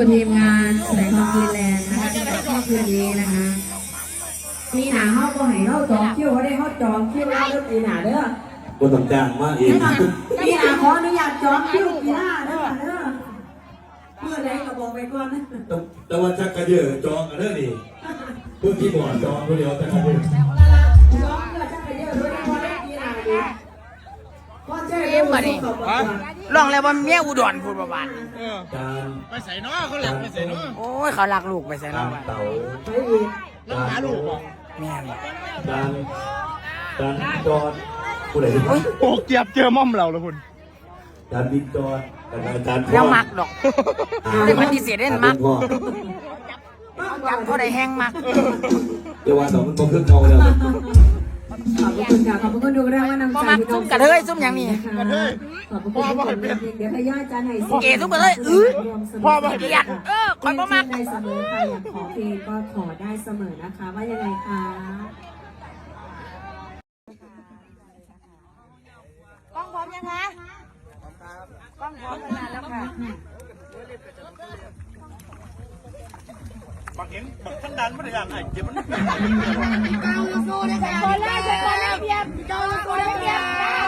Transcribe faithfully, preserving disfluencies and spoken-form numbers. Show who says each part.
Speaker 1: ทีมงานแสดงความคิดแรงนะคะในค่ำคืนนี้นะคะมีหนาเข้าก็ให้เข้าจองคิวเขาได้เข้าจองคิวแล้วเริ่มปีหนาเด้อ
Speaker 2: คนต้องจ้างมากเอง
Speaker 1: มีหนาขออนุญาตจองคิวปีหน้าเด้อเด้อเมื่อไรก็บอกไปก่อนนะ
Speaker 2: แต่ว่าจักกระเยอะจองกันเด้อนี่เพื่อที่บ่อจองคนเดียวจักกระเยอะ
Speaker 1: จองเพื่อจะไปเยอะด้วยนะพอได้ปีหน้าดีพอเจ๊เอ็มมาดิลองแล้วว่าเมียอุดรพูดประมาณ
Speaker 2: การ
Speaker 3: ไปใส่น้อเขาหลักไปใส่น้อ
Speaker 1: โอ้ยเขาลักลูกไปใส่
Speaker 2: กา
Speaker 1: เรา
Speaker 2: รเต๋า
Speaker 3: แล้วหาลูกบอก
Speaker 1: แม่น
Speaker 2: การการจอดผู้ใด
Speaker 3: โอ้เกียบเจอม่อมเราแล้วคุณ
Speaker 2: การบินจอดการการ
Speaker 1: แล้วมักดอกแต่มันดีเสียเด่นมักจับเขาได้แห้งมัก
Speaker 2: เดี๋ยววันสองมันต้องขึ้นเงาเลย
Speaker 1: ขอบคุณค่ะขอบคุณดูแลว่านำใจพี่น้องกระเทยซุ่มอย่างนี้ขอบคุณพ่อเดี๋ยวให้ย่าจานให้สิเก๋ซุ่มกระเทยอื้อพ่อมาเกียดเออคอยบ่มักได้เสมอค่ะอยากขอเพลงก็ขอได้เสมอนะคะว่ายังไงคะกล้องพร้อมยังคะกล้องพร้อมนานแล้วค่ะ
Speaker 3: บักเห็นบักท่านดันไม่ได้อย่างไรเดี๋ยวมัน
Speaker 4: เจ้าลูกสู้ด้วยกันคนแรกคนแรกเพียบเจ้าลูกสู้ด้วยกัน